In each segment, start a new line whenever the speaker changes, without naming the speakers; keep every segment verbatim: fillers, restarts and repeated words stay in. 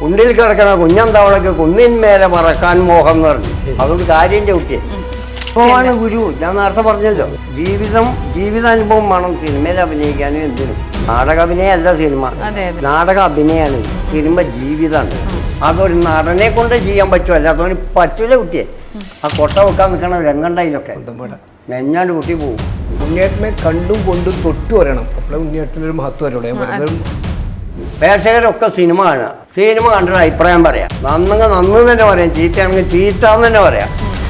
കുണ്ടിൽ കിടക്കണ കുഞ്ഞന്തവളക്ക് കുന്നിന്മേലെ മറക്കാൻ മോഹം എന്ന് പറഞ്ഞു. അതുകൊണ്ട് കാര്യം ചവിട്ടിയെ ഇപ്പോഴാണ് ഗുരു. ഞാൻ നേരത്തെ പറഞ്ഞല്ലോ, ജീവിതം ജീവിതാനുഭവം വേണം സിനിമയിൽ അഭിനയിക്കാനും എന്തിനും. നാടക അഭിനയമല്ല സിനിമ, നാടക അഭിനയമാണ്. സിനിമ ജീവിതമാണ്. അതൊരു നടനെ കൊണ്ട് ചെയ്യാൻ പറ്റുമോ, അല്ലാത്തവന് പറ്റൂല കുട്ടിയെ. ആ കൊട്ട വെക്കാൻ നിൽക്കണ രംഗണ്ടായിലൊക്കെ നെഞ്ഞാണ്ട് കുട്ടി പോകും.
ഉണ്ണിയേട്ടനെ കണ്ടും കൊണ്ടും തൊട്ടു വരണം. അപ്പോൾ ഉണ്ണിയേട്ടനൊരു മഹത്വം വരോടെ.
പ്രേക്ഷകരൊക്കെ സിനിമ കാണുക, സിനിമ കണ്ടിട്ട് അഭിപ്രായം പറയാം. നന്നെങ്കിൽ നന്ന് തന്നെ പറയാം, ചീത്തയാണെങ്കിൽ ചീത്ത എന്ന് തന്നെ പറയാം.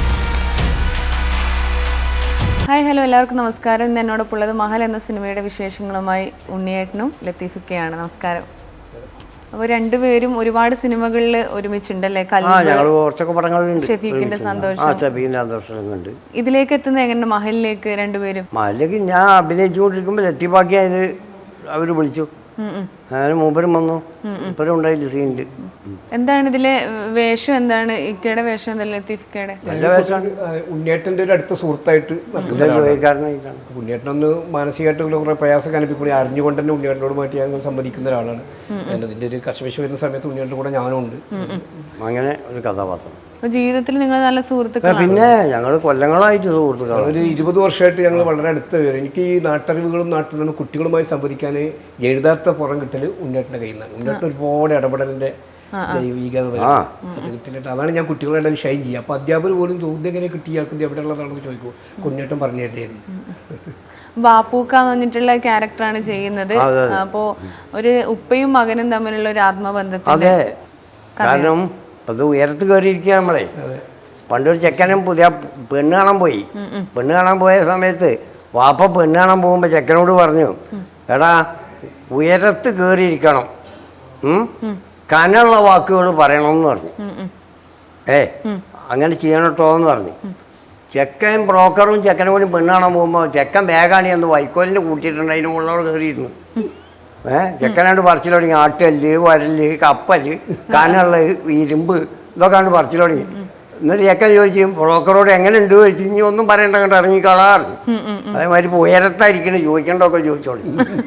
ഹായ് ഹലോ, എല്ലാവർക്കും നമസ്കാരം. ഇന്ന് എന്നോടൊപ്പം ഉള്ളത് മഹൽ എന്ന സിനിമയുടെ വിശേഷങ്ങളുമായി ഉണ്ണിയേട്ടനും ലത്തീഫൊക്കെയാണ്. നമസ്കാരം. അപ്പോൾ രണ്ടുപേരും ഒരുപാട് സിനിമകളിൽ ഒരുമിച്ചുണ്ടല്ലേ? ഷെഫീഖിന്റെ സന്തോഷം. ഇതിലേക്ക് എത്തുന്നത് എങ്ങനെ മഹലിലേക്ക് രണ്ടുപേരും?
മഹലിലേക്ക് ഞാൻ അഭിനയിച്ചുകൊണ്ടിരിക്കുമ്പോൾ ലത്തീഫാക്കി അതിൽ അവർ വിളിച്ചു. ഞാനും മൂപ്പരും വന്നു, മൂപ്പരും ഉണ്ടായില്ല സീനില്.
എന്താണ് ഇതിലെ വേഷം? എന്താണ് ഇക്കയുടെ വേഷം? എന്തല്ല ലത്തീഫിക്കയുടെ
നല്ല വേഷമാണ്.
ഉണ്ണിയേട്ടൻ്റെ ഒരു അടുത്ത സുഹൃത്തായിട്ട് ഉണ്ണിയേട്ടനൊന്ന് മാനസികമായിട്ടുള്ള കുറെ പ്രയാസം അനുഭവിക്കുക അറിഞ്ഞുകൊണ്ട് തന്നെ ഉണ്ണിയേട്ടനോട് മാറ്റി ഞാൻ സമ്മതിക്കുന്ന ഒരാളാണ്. അതിൻ്റെ ഒരു കശവിശ വരുന്ന സമയത്ത് ഉണ്ണിയേട്ടൻ്റെ കൂടെ ഞാനും ഉണ്ട്. അങ്ങനെ ഒരു കഥാപാത്രം.
ജീവിതത്തിൽ നിങ്ങൾ നല്ല സുഹൃത്തുക്കൾ.
പിന്നെ ഞങ്ങൾ കൊല്ലങ്ങളായിട്ട് സുഹൃത്തുക്കൾ.
ഒരു ഇരുപത് വർഷമായിട്ട് ഞങ്ങൾ വളരെ അടുത്ത് വരും. എനിക്ക് ഈ നാട്ടറിവുകളും നാട്ടിൽ നിന്ന് കുട്ടികളുമായി സംവദിക്കാൻ എഴുതാത്ത പുറം കിട്ടൽ ഉണ്ണിയേട്ടൻ്റെ കയ്യിൽ നിന്നാണ്. ഉണ്ണിയേട്ടൻ ഒരുപാട് ഇടപെടലിൻ്റെ ജൈവികത കിട്ടിയിട്ട് അതാണ് ഞാൻ കുട്ടികളെല്ലാം ഷൈൻ ചെയ്യുക. അപ്പോൾ അധ്യാപകർ പോലും ചോദ്യം എങ്ങനെ കിട്ടിയാൽക്കും എവിടെയുള്ളതാണെന്ന് ചോദിക്കും. കുഞ്ഞേട്ടൻ പറഞ്ഞു തരുന്നു.
ബാപ്പൂക്കാന്ന് പറഞ്ഞിട്ടുള്ള ക്യാരക്ടറാണ് ചെയ്യുന്നത്. അപ്പോൾ ഒരു ഉപ്പയും മകനും തമ്മിലുള്ള ഒരു ആത്മബന്ധത്തിൽ
കാരണം അത് ഉയരത്ത് കയറിയിരിക്കുക നമ്മളെ. പണ്ടൊരു ചെക്കനും പുതിയ പെണ്ണ് കാണാൻ പോയി. പെണ്ണ് കാണാൻ പോയ സമയത്ത് വാപ്പ പെണ്ണ് കാണാൻ പോകുമ്പോൾ ചെക്കനോട് പറഞ്ഞു, എടാ ഉയരത്ത് കയറിയിരിക്കണം, കനുള്ള വാക്കുകൾ പറയണമെന്ന് പറഞ്ഞു. ഏ അങ്ങനെ ചെയ്യണം കേട്ടോ എന്ന് പറഞ്ഞു. ചെക്കൻ ബ്രോക്കറും ചെക്കനും കൂടി പെണ്ണ് കാണാൻ പോകുമ്പോൾ ചെക്കൻ ബാഗാണി എന്ന് വൈക്കോലിൻ്റെ കൂട്ടിയിട്ടുണ്ട്. അതിന് മുകളിലോട് കയറിയിരുന്നു. ഏഹ് ചെക്കനാണ്ട് പറിച്ചിൽ തുടങ്ങി. ആട്ടല്, വരല്, കപ്പല്, കനുള്ള, ഇരുമ്പ് ഇതൊക്കെ ആണ് പറിച്ചിൽ തുടങ്ങി. എന്നിട്ട് ചെക്കൻ ചോദിച്ചു ബ്രോക്കറോട് എങ്ങനെ ഉണ്ട് ചോദിച്ചു. ഇനി ഒന്നും പറയണ്ട, കണ്ട് ഇറങ്ങിക്കളാറ്. അതേമാതിരി ഉയരത്തായിരിക്കണേ ചോദിക്കേണ്ടതൊക്കെ ചോദിച്ചോളി.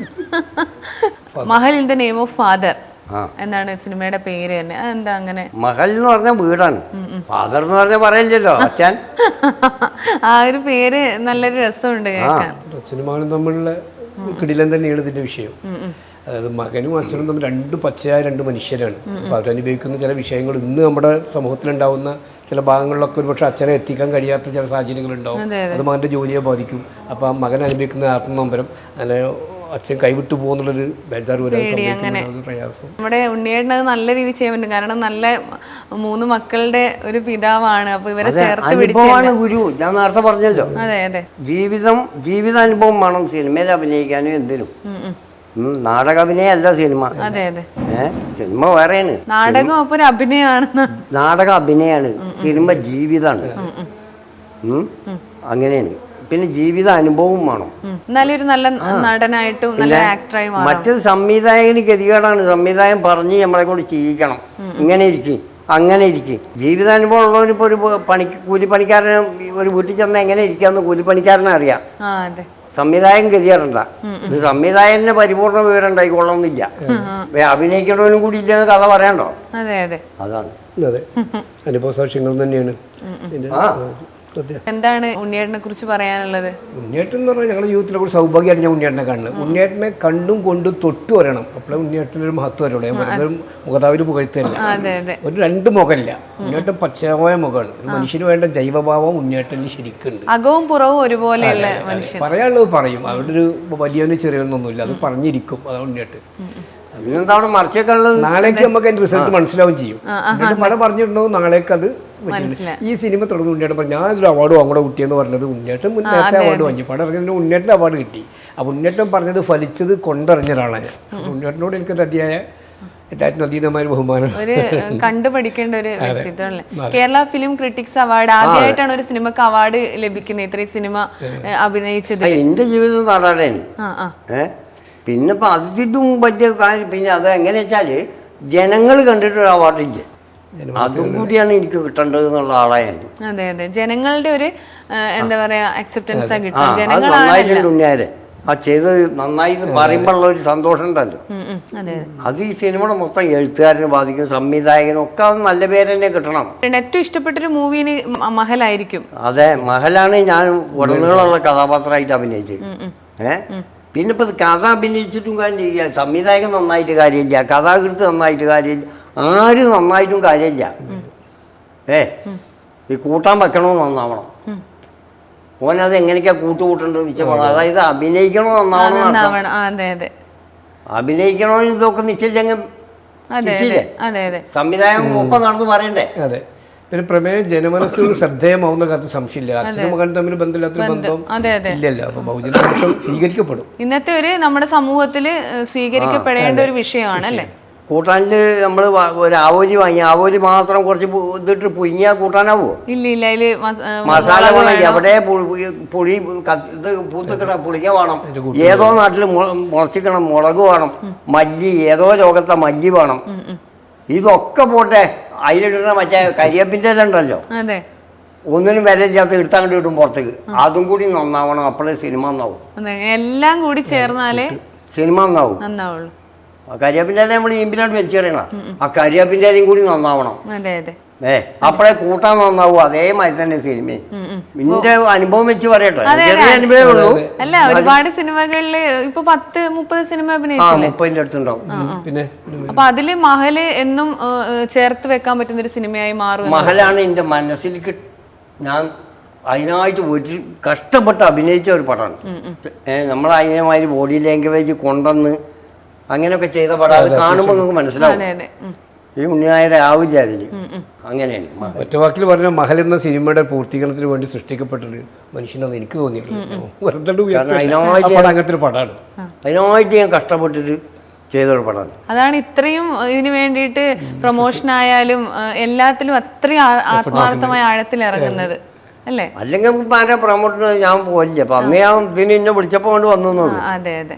Mahal in the name of father എന്താണ് സിനിമയുടെ പേര് തന്നെ? അതെന്താ അങ്ങനെ?
മഹൽ എന്ന് പറഞ്ഞ വീടാണ്, ഫാദർ എന്ന് പറഞ്ഞാൽ പറയില്ലല്ലോ അച്ഛൻ.
ആ ഒരു പേര് നല്ലൊരു രസമുണ്ട് കേൾക്കാൻ.
സിനിമകളും തമ്മിലുള്ള കിടിലം തന്നെയാണ് ഇതിന്റെ വിഷയം. അതായത് മകനും അച്ഛനും തമ്മിൽ രണ്ട് പച്ചയായ രണ്ട് മനുഷ്യരാണ്. അപ്പോൾ അവരനുഭവിക്കുന്ന ചില വിഷയങ്ങൾ ഇന്ന് നമ്മുടെ സമൂഹത്തിലുണ്ടാവുന്ന ചില ഭാഗങ്ങളിലൊക്കെ ഒരുപക്ഷെ അച്ഛനെ എത്തിക്കാൻ കഴിയാത്ത ചില സാഹചര്യങ്ങളുണ്ടാവും. അത് മകൻ്റെ ജോലിയെ ബാധിക്കും. അപ്പോൾ ആ മകൻ അനുഭവിക്കുന്ന ആത്മനൊമ്പരം അല്ലെ അച്ഛൻ കൈവിട്ടു പോകുന്നുള്ളൊരു ബേജാറ് വരാൻ പ്രയാസം.
നമ്മുടെ ഉണ്ണിയേട്ടൻ അത് നല്ല രീതിയിൽ ചെയ്യാൻ പറ്റും. കാരണം നല്ല മൂന്ന് മക്കളുടെ ഒരു പിതാവാണ്. അപ്പൊ ഇവരെ ചേർത്ത്
പിടിച്ചാണ് ഗുരു. ഞാൻ നേരത്തെ പറഞ്ഞല്ലോ,
അതെ അതെ
ജീവിതം ജീവിതാനുഭവം വേണം സിനിമയിൽ അഭിനയിക്കാനും എന്തിനും. നാടക അഭിനയമല്ല സിനിമ.
അതെ അതെ
ഏഹ് സിനിമ വേറെയാണ്.
നാടകം അപ്പൊ ഒരു അഭിനയമാണ്.
നാടക അഭിനയാണ്, സിനിമ ജീവിതമാണ്. അങ്ങനെയാണ്. പിന്നെ ജീവിത അനുഭവം വേണം.
നല്ലൊരു നല്ല നടനായിട്ടും നല്ല ആക്ടറായി മാറണം.
മറ്റൊരു സംവിധായകന് ഗതികേടാണ്. സംവിധായകൻ പറഞ്ഞ് നമ്മളെ കൊണ്ട് ചെയ്യിക്കണം, ഇങ്ങനെ ഇരിക്കും അങ്ങനെ ഇരിക്കും. ജീവിതാനുഭവം ഉള്ളവനിപ്പോൾ ഒരു പണി കൂലിപ്പണിക്കാരന് ഒരു വീട്ടിൽ ചെന്നാൽ എങ്ങനെ ഇരിക്കാന്ന് കൂലിപ്പണിക്കാരനെ അറിയാം. സംവിധായകൻ ഗതികേടണ്ട. ഇത് സംവിധായകന് പരിപൂർണ്ണ വിവരം ഉണ്ടായിക്കൊള്ളണമെന്നില്ല. അഭിനയിക്കേണ്ടവനും കൂടി ഇല്ലെന്ന് കഥ പറയണ്ടോ?
അതെ അതെ
അതാണ്.
അതെ, അനുഭവ സാക്ഷ്യങ്ങൾ തന്നെയാണ്.
എന്താണ് ഉണ്ണിയേട്ടനെ കുറിച്ച് പറയാനുള്ളത്?
ഉണ്ണിയേട്ടൻ എന്ന് പറഞ്ഞാൽ ഞങ്ങളുടെ ജീവിതത്തിലെ കൂടി സൗഭാഗ്യമായിട്ട് ഞാൻ ഉണ്ണിയേട്ടനെ കാണുന്നത്. ഉണ്ണിയേട്ടനെ കണ്ടും കൊണ്ടും തൊട്ടു വരണം. അപ്പോഴേ ഉണ്ണിയേട്ടനൊരു മഹത്വം വരോടെ. മുഖതാവിൽ പുകഴ്ത്തല്ല, ഒരു രണ്ട് മുഖമില്ല. ഉണ്ണിയേട്ടൻ പച്ചമായ മുഖമാണ്. ഒരു മനുഷ്യന് വേണ്ട ജൈവഭാവം ഉണ്ണിയേട്ടന് ശരിക്കുണ്ട്.
അകവും പുറവും ഒരുപോലെയുള്ള മനുഷ്യൻ.
പറയാനുള്ളത് പറയും. അവിടെ ഒരു വലിയവന് ചെറിയൊന്നൊന്നുമില്ല, അത് പറഞ്ഞിരിക്കും. അതാണ് ഉണ്ണിയേട്ടൻ. നാളേക്ക് നമുക്ക് അതിന്റെ റിസൾട്ട് മനസ്സിലാവും ചെയ്യും. പടം പറഞ്ഞിട്ടുണ്ടാവും, നാളേക്ക് അത് ഈ സിനിമ തുടങ്ങുന്ന ഉണ്ണിയേട്ടൻ പറഞ്ഞു ഞാനൊരു അവാർഡ് വാങ്ങൂടെ കുട്ടിയെന്ന് പറഞ്ഞത്. ഉണ്ണിയേട്ടൻ മുന്നേറ്റ അവാർഡ് വാങ്ങി. പടം ഇറങ്ങുന്നതിന് ഉണ്ണിയേട്ടൻ അവാർഡ് കിട്ടി. അപ്പോൾ ഉണ്ണിയേട്ടൻ പറഞ്ഞത് ഫലിച്ചത് കൊണ്ടറിഞ്ഞ ഒരാളാണ് ഞാൻ. ഉണ്ണിയേട്ടനോട് എനിക്കൊരു അതിയായ ഏറ്റവും അതീതമായ ബഹുമാനം.
ഒരു കണ്ടുപഠിക്കേണ്ട ഒരു വ്യക്തിത്വം അല്ലേ? കേരള ഫിലിം ക്രിട്ടിക്സ് അവാർഡ് ആദ്യമായിട്ടാണ് ഒരു സിനിമക്ക് അവാർഡ് ലഭിക്കുന്നത്. ഇത്രയും സിനിമ അഭിനയിച്ചത്
എന്റെ ജീവിതം നാടാണ്. പിന്നെ ഇപ്പം അതിനും വലിയ കാര്യം. പിന്നെ അത് എങ്ങനെ വെച്ചാൽ ജനങ്ങൾ കണ്ടിട്ടൊരു അവാർഡില്ല, അതും കൂടിയാണ് എനിക്ക് കിട്ടേണ്ടത് എന്നുള്ള ആളായാണ്.
അതെ അതെ ജനങ്ങളുടെ ഒരു എന്താ പറയാ അക്സെപ്റ്റൻസ് കിട്ടും.
നന്നായിട്ടുണ്ട് ഉണ്ണിയാരെ. ആ ചെയ്ത് നന്നായി എന്ന് പറയുമ്പോഴുള്ള ഒരു സന്തോഷം ഉണ്ടല്ലോ,
ഉം, ഉം. അതെ അതെ.
അത് ഈ സിനിമയുടെ മൊത്തം എഴുത്തുകാരനെ ബാധിക്കും, സംവിധായകനും ഒക്കെ അത് നല്ല പേര് തന്നെ കിട്ടണം.
ഏറ്റവും ഇഷ്ടപ്പെട്ടൊരു മൂവിന് മഹലായിരിക്കും.
അതെ, മഹലാണ് ഞാൻ ഉടനീളമുള്ള കഥാപാത്രമായിട്ട് അഭിനയിച്ചത്. ഏ പിന്നെ ഇപ്പം കഥ അഭിനയിച്ചിട്ടും കാര്യമില്ല, സംവിധായകൻ നന്നായിട്ട് കാര്യമില്ല, കഥാകൃത്ത് നന്നായിട്ട് കാര്യമില്ല, ആരും നന്നായിട്ടും കാര്യമില്ല. ഏ ഈ കൂട്ടാൻ വെക്കണമെന്ന് നന്നാവണം. ഓനത് എങ്ങനെയൊക്കെയാ കൂട്ടുകൂട്ടേണ്ടത് വെച്ചാൽ അതായത് അഭിനയിക്കണോ നന്നാവണം.
നന്നാവണം. ആ, അതെ അതെ.
അഭിനയിക്കണമെന്ന് ഇതൊക്കെ നിശ്ചയിച്ചെങ്കിൽ
അതെ അതെ അതെ.
സംവിധായകൻ ഒപ്പം നടന്ന് പറയണ്ടേ.
അതെ. പിന്നെ പ്രമേയം ജനമനസ്സിൽ ശ്രദ്ധേയമാവുന്ന കാര്യത്തിൽ സംശയമില്ല. അച്ഛനും മകനും തമ്മിൽ ബന്ധമില്ലാത്തൊരു ബന്ധം
അതെ അതെ
ഇല്ലല്ലോ. അപ്പൊ ബഹുജനപക്ഷം സ്വീകരിക്കപ്പെടും.
ഇന്നത്തെ ഒരു നമ്മുടെ സമൂഹത്തിൽ സ്വീകരിക്കപ്പെടേണ്ട ഒരു വിഷയമാണ് അല്ലേ.
കൂട്ടാനിൽ നമ്മൾ ഒരു ആവോലി വാങ്ങി ആവോലി മാത്രം കുറച്ച് പു- ഇതിട്ട് പുഴുങ്ങിയാൽ കൂട്ടാനാവോ?
ഇല്ല ഇല്ല അതില്
മസാല വേണം, എവിടെ പുളി പുളി ക- ഇത് പൂത്തിക്കണ പുളിക്ക വേണം, ഏതോ നാട്ടിൽ മുളച്ചിക്കണം, മുളക് വേണം, മല്ലി ഏതോ ലോകത്തെ മല്ലി വേണം. ഇതൊക്കെ പോട്ടെ, അതിലിടുന്ന മറ്റേ കരിയേപ്പിൻ്റെ എല്ലാം ഉണ്ടല്ലോ,
അതെ
ഒന്നിനും വിലയില്ലാത്ത എടുത്തങ്ങോട്ട് കിട്ടും പുറത്തേക്ക്, അതും കൂടി നന്നാവണം. അപ്പോഴേ സിനിമ നന്നാവും.
അതെ. എല്ലാം കൂടി ചേർന്നാലേ
സിനിമ നന്നാവും.
നന്നാവുള്ളൂ.
ആ കരിയാപ്പിൻ്റെ ഇല നമ്മൾ ഈമ്പിലോട്ട് വലിച്ചെറിയണം, ആ കരിയാപ്പിൻ്റെ ഇലയും കൂടി നന്നാവണം.
അതെ അതെ.
ഏ അപ്പോഴേ കൂട്ടാൻ നന്നാവും. അതേമാതിരി തന്നെ സിനിമയും. നിന്റെ അനുഭവം വെച്ച് പറയട്ടെ, ചെറിയ അനുഭവമേ ഉള്ളൂ.
അല്ല, ഒരുപാട് സിനിമകളില് ഇപ്പൊ പത്ത് മുപ്പത് സിനിമ
ആ
അഭിനയിച്ചില്ലേ.
മുപ്പതിൻ്റെ അടുത്തുണ്ടാവും.
പിന്നെ
അപ്പൊ അതില് മഹല് എന്നും ഏഹ്, ചേർത്ത് വെക്കാൻ പറ്റുന്ന ഒരു സിനിമയായി മാറും.
മഹലാണ് എൻ്റെ മനസ്സിലേക്ക് ഞാൻ അതിനായിട്ട് ഒരു കഷ്ടപ്പെട്ട് അഭിനയിച്ച ഒരു പടമാണ്. ഏഹ് നമ്മൾ അതിനമാതിരി ബോഡി ലാംഗ്വേജ് കൊണ്ടുവന്ന് അങ്ങനെയൊക്കെ ചെയ്ത പടം. അത് കാണുമ്പോൾ നിങ്ങൾക്ക് മനസ്സിലാവും
അതെ അതെ. ഉം.
ഈ ഉണ്ണിനായരെ ആവില്ല അതിൽ. അങ്ങനെയാണ് മഹൽ.
ഒറ്റ വാക്കിൽ പറഞ്ഞ മഹൽ എന്ന സിനിമയുടെ പൂർത്തീകരണത്തിന് വേണ്ടി സൃഷ്ടിക്കപ്പെട്ടൊരു മനുഷ്യനെന്ന് എനിക്ക് തോന്നിയിട്ടുള്ളൂ. വെറുതെ
കാരണം അതിനായിട്ട്
അങ്ങനത്തെ ഒരു പടമാണ്.
അതിനായിട്ട് ഞാൻ കഷ്ടപ്പെട്ടിട്ട് ചെയ്തൊരു പടമാണ്.
അതാണ് ഇത്രയും ഇതിന് വേണ്ടിയിട്ട് പ്രൊമോഷൻ ആയാലും ഏഹ്, എല്ലാത്തിലും അത്രയും ആ- ആത്മാർത്ഥമായ ആഴത്തിൽ ഇറങ്ങുന്നത് അല്ലേ.
അല്ലെങ്കിൽ ഇപ്പം ആരെ പ്രൊമോട്ടിന് ഞാൻ പോയില്ല. അപ്പം അന്ന് ഞാൻ ഇതിന് എന്നെ വിളിച്ചപ്പോൾ കൊണ്ട് വന്നു എന്നുള്ളൂ.
ആ, അതെ അതെ.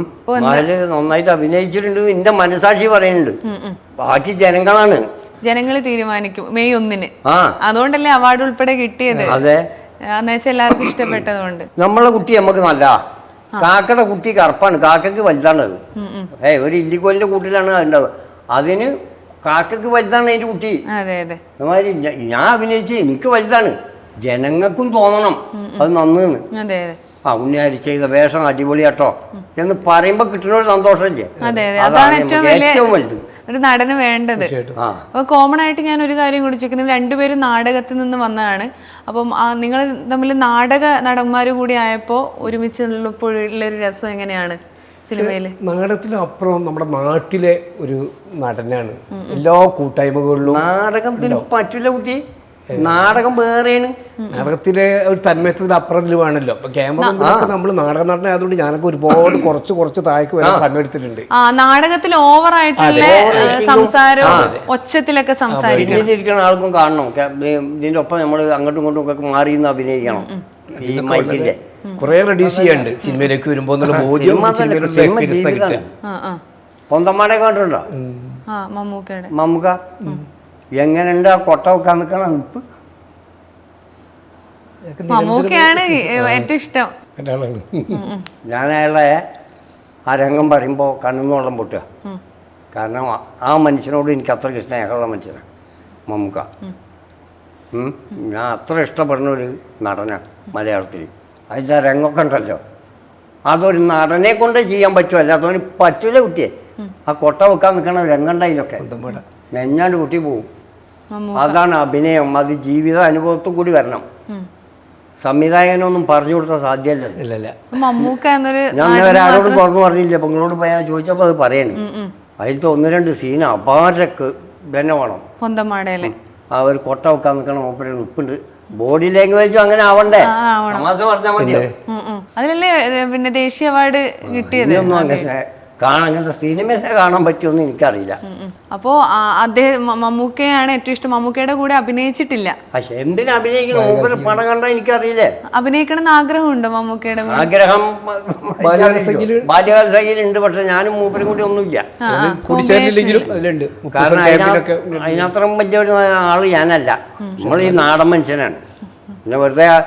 മഹല് നന്നായിട്ട് അഭിനയിച്ചിട്ടുണ്ട് എന്റെ മനസാക്ഷി പറയുന്നുണ്ട്. ബാക്കി ജനങ്ങളാണ്,
ജനങ്ങൾ തീരുമാനിക്കും മെയ് ഒന്നിന്.
ആ
അതുകൊണ്ടല്ലേ അവാർഡ് ഉൾപ്പെടെ കിട്ടിയത്.
അതെ,
എന്നുവെച്ചാൽ എല്ലാവർക്കും ഇഷ്ടപ്പെട്ടതുകൊണ്ട്.
നമ്മളെ കുട്ടി നമുക്ക് നല്ല കാക്കയുടെ കുട്ടി കറുപ്പാണ്, കാക്കക്ക് വലുതാണത്. ഏ ഒരു ഇല്ലിക്കോലിന്റെ കൂട്ടിലാണ് ഉണ്ടാവുക. അതിന് കാക്കക്ക് വലുതാണ് അതിന്റെ കുട്ടി.
അതെ അതെ.
അതുമാതിരി ഞ- ഞാൻ അഭിനയിച്ച് എനിക്ക് വലുതാണ്, ജനങ്ങൾക്കും തോന്നണം അത് നന്നെന്ന്.
അതെ അതെ.
ആ ഉണ്ണിയാരി ചെയ്ത വേഷം അടിപൊളിയാട്ടോ എന്ന് പറയുമ്പോൾ കിട്ടുന്ന ഒരു സന്തോഷമില്ലേ,
അതെ അതെ.
അതാണ്
അതാണ് ഏറ്റവും
നമുക്ക്
വലിയ
ഏറ്റവും വലുത്.
ഒരു നടന് വേണ്ടത്.
ആ
അപ്പൊ കോമൺ ആയിട്ട് ഞാൻ ഒരു കാര്യം കൂടി ചോദിക്കുന്നത്, രണ്ടുപേരും നാടകത്തിൽ നിന്ന് വന്നതാണ്. അപ്പം നിങ്ങൾ തമ്മിൽ നാടക നടന്മാർ കൂടി ആയപ്പോൾ ഒരുമിച്ചുള്ളപ്പോഴുള്ളൊരു രസം എങ്ങനെയാണ് സിനിമയിൽ?
നാടകത്തിനപ്പുറം നമ്മുടെ നാട്ടിലെ ഒരു നടനാണ്. എല്ലാ കൂട്ടായ്മകളിലും
നാടകത്തിന് പറ്റില്ല കുട്ടി, നാടകം വേറെയാണ്.
നാടകത്തിലെ ഒരു തന്മയത്തിന് അപ്പുറത്തിൽ വേണമല്ലോ. അപ്പൊ ക്യാമറ നമ്മൾ നാടക നടനായതുകൊണ്ട് ഞാനൊക്കെ ഒരുപാട് കുറച്ച് കുറച്ച് താഴേക്ക് വരാൻ സമയം എടുത്തിട്ടുണ്ട്.
ആ നാടകത്തിൽ ഓവർ ആയിട്ടുള്ള സംസാരവും ഒച്ചത്തിലൊക്കെ സംസാരിക്കും.
ഇരിക്കുന്ന ആൾക്കും കാണണം. ക- ഇതിന്റെ ഒപ്പം നമ്മൾ അങ്ങോട്ടും ഇങ്ങോട്ടും ഒക്കെ മാറി നിന്ന് അഭിനയിക്കണം. ഈ മൈക്കിന്റെ
കുറെ റെഡ്യൂസ് ചെയ്യാണ്ട് സിനിമയിലേക്ക് വരുമ്പോ എന്നുള്ള ബോധ്യം സിനിമയിലുള്ള എക്സ്പീരിയൻസ് കിട്ടുക.
ആ ആ
പൊന്തന്മാരെ കണ്ടിട്ടുണ്ടോ?
ആ മമ്മൂക്കയുടെ
മമ്മൂക്ക എങ്ങനെയുണ്ട് ആ കൊട്ട വെക്കാൻ നിൽക്കണം നിപ്പ്.
മമ്മൂക്കയാണ് ഏറ്റവും ഇഷ്ടം.
ഒരാളാണ്.
ഞാൻ അയാളെ ആ രംഗം പറയുമ്പോൾ കണ്ണിന്ന് വെള്ളം പൊട്ടുക. കാരണം ആ- ആ മനുഷ്യനോട് എനിക്ക് അത്ര സ്നേഹമുള്ള മനുഷ്യനാണ് മമ്മൂക്ക. ഉം. ഞാൻ അത്ര ഇഷ്ടപ്പെടുന്ന ഒരു നടനാണ് മലയാളത്തിൽ. അതിൻ്റെ ആ രംഗമൊക്കെ ഉണ്ടല്ലോ, അതൊരു നടനെ കൊണ്ട് ചെയ്യാൻ പറ്റുമല്ല, അതൊരു പറ്റൂല കുട്ടിയെ. ആ കൊട്ട വെക്കാൻ നിൽക്കണ രംഗം അതിലൊക്കെ നെഞ്ഞാണ്ട് കുട്ടി പോവും.
മമ്മൂക്ക.
അതാണ് അഭിനയം. അത് ജീവിത അനുഭവത്തിൽ കൂടി വരണം. സംവിധായകനൊന്നും പറഞ്ഞു കൊടുത്താൽ സാധ്യമല്ല.
ഇല്ല ഇല്ല.
മമ്മൂക്ക എന്നൊരു
ഞാൻ ഒരാളോടും തുറന്നു പറഞ്ഞില്ല. അപ്പം നിങ്ങളോട് പോയാൽ ചോദിച്ചപ്പോൾ അത് പറയണേ. അതിലത്തെ ഒന്ന് രണ്ട് സീൻ അപാരക്ക് തന്നെ വേണം.
പൊന്തമാടയിലെ
ആ ഒരു കൊട്ട വെക്കാൻ നിൽക്കണം, മൂപ്പര് ഉപ്പുണ്ട്. ബോഡി ലാംഗ്വേജും അങ്ങനെ ആവണ്ടേ, തമാശ പറഞ്ഞാൽ മതിയോ?
അതിലല്ലേ ഏ, പിന്നെ ദേശീയ അവാർഡ് കിട്ടിയത്.
ഇതൊന്നും അങ്ങനെ കാണാൻ അങ്ങനത്തെ സിനിമയെ കാണാൻ പറ്റുമെന്ന് എനിക്കറിയില്ല.
അപ്പോ ആ, അദ്ദേഹം മ- മമ്മൂക്കയാണ് ഏറ്റവും ഇഷ്ടം. മമ്മൂക്കയുടെ കൂടെ അഭിനയിച്ചിട്ടില്ല.
പക്ഷെ എന്തിനു അഭിനയിക്കണം? മൂപ്പര് പടം കണ്ടാൽ എനിക്കറിയില്ലേ.
അഭിനയിക്കണം എന്ന് ആഗ്രഹമുണ്ടോ മമ്മൂക്കയുടെ?
ആഗ്രഹം
ബാല്യകാലസഖിയില്
ബാല്യകാലസഖിയിലുണ്ട്, പക്ഷെ ഞാനും മൂപ്പരും കൂടി ഒന്നുമില്ല.
കൂടിച്ചേരില്ലെങ്കിലും അതിലുണ്ട്.
കാരണം അതിനകത്ത് അതിനത്രയും വലിയൊരു ആള് ഞാനല്ല. നമ്മൾ ഈ നാടൻ മനുഷ്യനാണ്. പിന്നെ വെറുതെ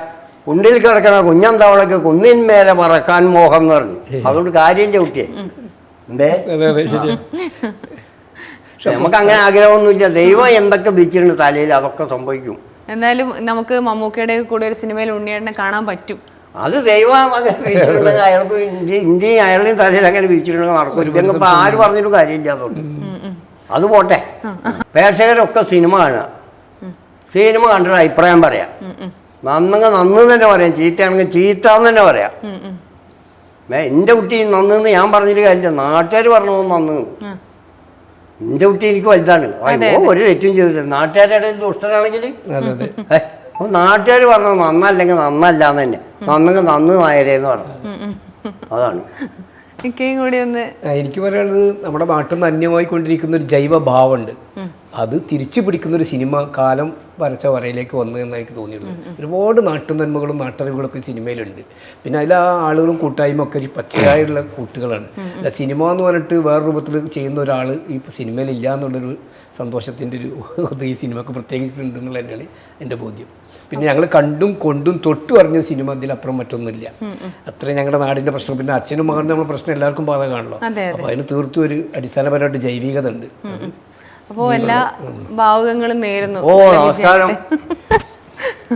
കുണ്ടിൽ കിടക്കണ കുഞ്ഞന്തവളക്ക് കുന്നിന്മേലെ പറക്കാൻ മോഹം എന്ന് പറഞ്ഞു. അതുകൊണ്ട് കാര്യം ചവിട്ടിയേ എന്തേ
അതെ അതെ ശരി.
നമുക്ക് അങ്ങനെ ആഗ്രഹമൊന്നുമില്ല. ദൈവം എന്തൊക്കെ വിധിച്ചിട്ടുണ്ട് തലയിൽ അതൊക്കെ സംഭവിക്കും.
എന്തായാലും നമുക്ക് മമ്മൂക്കയുടെ കൂടെ ഒരു സിനിമയിൽ ഉണ്ണിയേട്ടനെ കാണാൻ പറ്റും.
അത് ദൈവം അങ്ങനെ വിധിച്ചിട്ടുണ്ടെങ്കിൽ അയാൾക്ക് ഇന്ത്യ ഇന്ത്യയും അയാളുടെയും തലയിൽ അങ്ങനെ വിധിച്ചിട്ടുണ്ടെങ്കിൽ നടക്കും. ഇല്ലെങ്കിൽ ഇപ്പം ആര് പറഞ്ഞിട്ടും കാര്യമില്ല. അതുകൊണ്ട് അത് പോട്ടെ. പ്രേക്ഷകരൊക്കെ സിനിമ കാണുക, സിനിമ കണ്ടിട്ട് അഭിപ്രായം പറയാം. നന്നെങ്കിൽ നന്ന് തന്നെ പറയാം, ചീത്തയാണെങ്കിൽ ചീത്ത എന്ന് തന്നെ പറയാം. എൻ്റെ കുട്ടി നന്നെന്ന് ഞാൻ പറഞ്ഞിട്ട് കാര്യമില്ല, നാട്ടുകാർ പറഞ്ഞു നന്ന്. എൻ്റെ കുട്ടി എനിക്ക് വലുതാണ്, ഒരു തെറ്റും ചെയ്തില്ല. നാട്ടുകാരുടെ ദുഷ്ടനാണെങ്കിൽ നാട്ടുകാർ പറഞ്ഞു നന്നല്ലെങ്കിൽ നന്നല്ല എന്ന് തന്നെ, നന്നെങ്കിൽ നന്ന് നായരേന്ന് പറഞ്ഞു. അതാണ്
കൂടി ഒന്ന്
എനിക്ക് പറയാനുള്ളത്, നമ്മുടെ നാട്ടിൽ നിന്ന് അന്യമായി കൊണ്ടിരിക്കുന്ന ഒരു ജൈവഭാവമുണ്ട്. അത് തിരിച്ചു പിടിക്കുന്ന ഒരു സിനിമ കാലം വരച്ച വരയിലേക്ക് വന്നു എന്ന് എനിക്ക് തോന്നിയിട്ടുള്ളത്. ഒരുപാട് നാട്ടുനന്മകളും നാട്ടറിവുകളൊക്കെ സിനിമയിലുണ്ട്. പിന്നെ അതിൽ ആ ആളുകളും കൂട്ടായ്മ ഒക്കെ ഒരു പച്ചയായുള്ള കൂട്ടുകളാണ്. സിനിമ എന്ന് പറഞ്ഞിട്ട് വേറെ രൂപത്തിൽ ചെയ്യുന്ന ഒരാൾ ഈ സിനിമയിൽ ഇല്ല എന്നുള്ളൊരു സന്തോഷത്തിൻ്റെ ഒരു ഇത് ഈ സിനിമക്ക് പ്രത്യേകിച്ചിട്ടുണ്ടെന്നുള്ള തന്നെയാണ് എൻ്റെ ബോധ്യം. പിന്നെ ഞങ്ങൾ കണ്ടും കൊണ്ടും തൊട്ടു പറഞ്ഞ സിനിമ അതിലപ്പുറം മറ്റൊന്നുമില്ല. അത്രയും ഞങ്ങളുടെ നാടിൻ്റെ പ്രശ്നം. പിന്നെ അച്ഛനും മകനും നമ്മുടെ പ്രശ്നം എല്ലാവർക്കും ബാധകമാണല്ലോ. അപ്പോൾ അതിന് തീർത്തും ഒരു അടിസ്ഥാനപരമായിട്ട് ജൈവികത ഉണ്ട്.
അപ്പോൾ എല്ലാ ഭാവുകങ്ങളും നേരുന്നു.
ഓ നമസ്കാരം.